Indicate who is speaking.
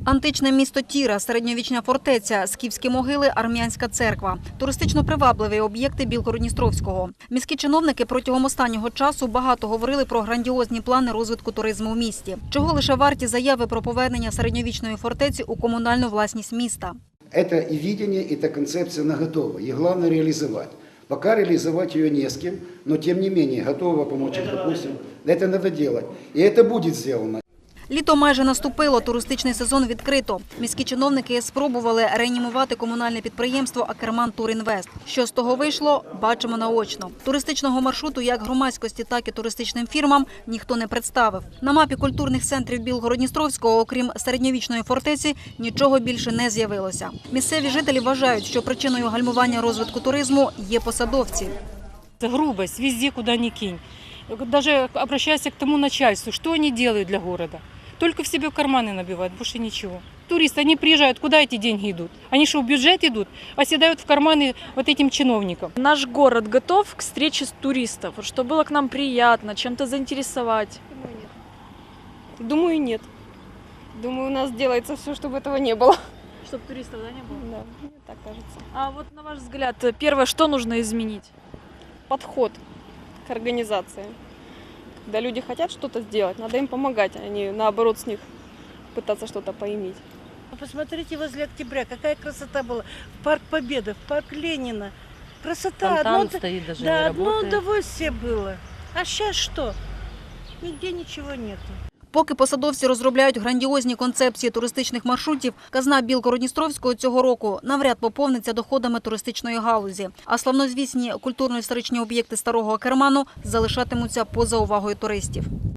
Speaker 1: Античне місто Тіра, середньовічна фортеця, скіфські могили, армянська церква. Туристично привабливі об'єкти Білгород-Дністровського. Міські чиновники протягом останнього часу багато говорили про грандіозні плани розвитку туризму у місті. Чого лише варті заяви про повернення середньовічної фортеці у комунальну власність міста.
Speaker 2: Это и видение, и эта концепция наготова. И главное реализовать. Пока реализовать ее не с кем, но тем не менее готова помочь, допустим. Это надо делать. И это будет сделано.
Speaker 1: Літо майже наступило, туристичний сезон відкрито. Міські чиновники спробували реанімувати комунальне підприємство «Акерман Турінвест». Що з того вийшло, бачимо наочно. Туристичного маршруту як громадськості, так і туристичним фірмам ніхто не представив. На мапі культурних центрів Білгород-Дністровського, окрім середньовічної фортеці, нічого більше не з'явилося. Місцеві жителі вважають, що причиною гальмування розвитку туризму є посадовці.
Speaker 3: Это грубость везде, куда ни кинь. Даже обращайся к тому начальству, что они делают для города. Только в себе карманы набивают, больше ничего. Туристы, они приезжают, куда эти деньги идут? Они что, в бюджет идут, оседают в карманы вот этим чиновникам?
Speaker 4: Наш город готов к встрече с туристов, чтобы было к нам приятно, чем-то заинтересовать.
Speaker 5: Думаю, нет. Думаю, у нас делается все, чтобы этого не было.
Speaker 4: Чтобы туристов не было?
Speaker 5: Да, мне так кажется.
Speaker 4: А вот на ваш взгляд, первое, что нужно изменить?
Speaker 5: Подход к организации. Когда люди хотят что-то сделать, надо им помогать, а не наоборот с них пытаться что-то поиметь.
Speaker 6: Посмотрите возле Октября, какая красота была. В Парк Победы, в Парк Ленина. Красота.
Speaker 7: Фонтан стоит, даже
Speaker 6: да,
Speaker 7: не
Speaker 6: одно
Speaker 7: работает.
Speaker 6: удовольствие было. А сейчас что? Нигде ничего нету.
Speaker 1: Поки посадовці розробляють грандіозні концепції туристичних маршрутів, казна Білгород-Дністровського цього року навряд поповниться доходами туристичної галузі. А славнозвісні культурно-історичні об'єкти старого Акерману залишатимуться поза увагою туристів.